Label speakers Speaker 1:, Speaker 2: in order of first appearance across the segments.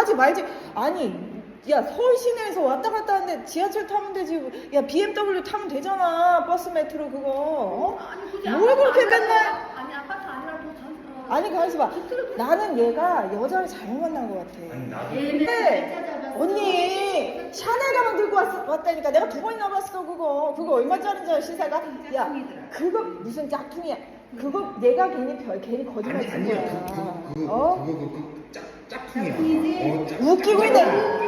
Speaker 1: 하지 말지. 아니 야 서울 시내에서 왔다 갔다 하는데 지하철 타면 되지. 야 BMW 타면 되잖아. 버스 메트로 그거. 어?
Speaker 2: 아니 굳이
Speaker 1: 뭘 그렇게 맨날.
Speaker 2: 아니 아파트 아니라도
Speaker 1: 아니 가만있어 봐. 나는 얘가 여자를 잘못 만난 것 같아.
Speaker 3: 아니 나도
Speaker 1: 근데 언니 샤넬 가방 들고 왔다니까. 내가 2번이나 봤어 그거. 그거 얼마짜리인지 알아 시세가? 야 그거 무슨 짝퉁이야. 그거 내가 괜히 거짓말 친
Speaker 3: 아니야
Speaker 1: 거야.
Speaker 3: 그거
Speaker 1: 어?
Speaker 3: 짝퉁이야.
Speaker 1: 웃기고 있네.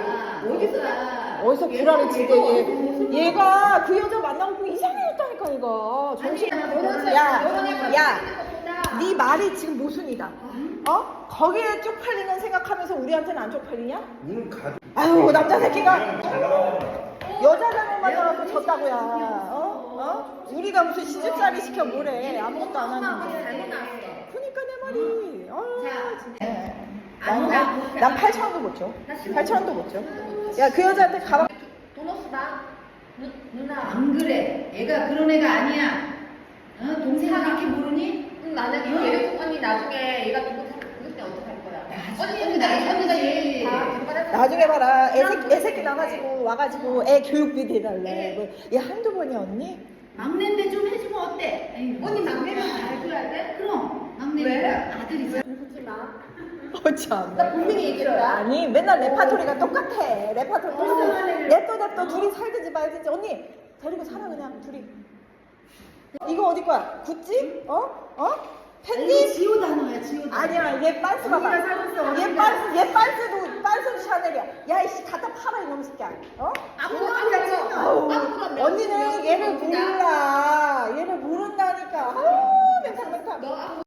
Speaker 1: 어디서
Speaker 2: 얘
Speaker 1: 불화를 지게 얘가 그 여자 만나고 이상해졌다니까 얘가. 정신. 야. 네 말이 지금 모순이다. 어? 거기에 쪽팔리는 생각하면서 우리한테는 안 쪽팔리냐?
Speaker 3: 오늘 가족.
Speaker 1: 아유 남자 새끼가
Speaker 3: 잘 나가는
Speaker 1: 여자 잘못 만나서 졌다고야. 어? 우리가 무슨 시집살이 시켜 뭐래. 아무것도 안 하는데.
Speaker 2: 잘못 나왔어.
Speaker 1: 그니까 내 말이.
Speaker 2: 자,
Speaker 1: 진짜. 난 8,000원도 못 줘. 8,000원도 못 줘. 야 그 여자한테 가방.
Speaker 2: 돈 없다. 누나.
Speaker 4: 안 그래. 얘가 그런 애가 아니야. 어? 동생을 이렇게 모르니?
Speaker 2: 나는 얘를 언니 나중에 얘가 누구 그때 어떡할 거야? 언니가 얘
Speaker 1: 나중에 봐라. 애새끼 나가지고 와가지고 애 교육비 대달래. 뭐, 얘 한두 번이야 언니?
Speaker 4: 막내인데 좀 해주면 어때? 에이,
Speaker 2: 언니 막내면 잘 줘야 돼?
Speaker 4: 그럼 막내니까 아들이잖아.
Speaker 2: 그러지 마.
Speaker 1: 참.
Speaker 2: 나 분명히 얘기했다.
Speaker 1: 아니 맨날 레파토리가 똑같아. 레파토리 똑같아. 냅둬 둘이 살든지 말든지. 언니 데리고 살아 그냥 둘이. 이거 어디 거야? 구찌? 어? 팬티?
Speaker 4: 지오 단어야 지오 단어.
Speaker 1: 아니야 얘 빤스 봐봐. 얘 빤스도 샤넬이야. 야 이씨 갖다 팔아 이놈 새끼야. 어? 아우, 언니는 얘를 몰라. 얘를 모른다니까. 아우 멘탈.
Speaker 2: 너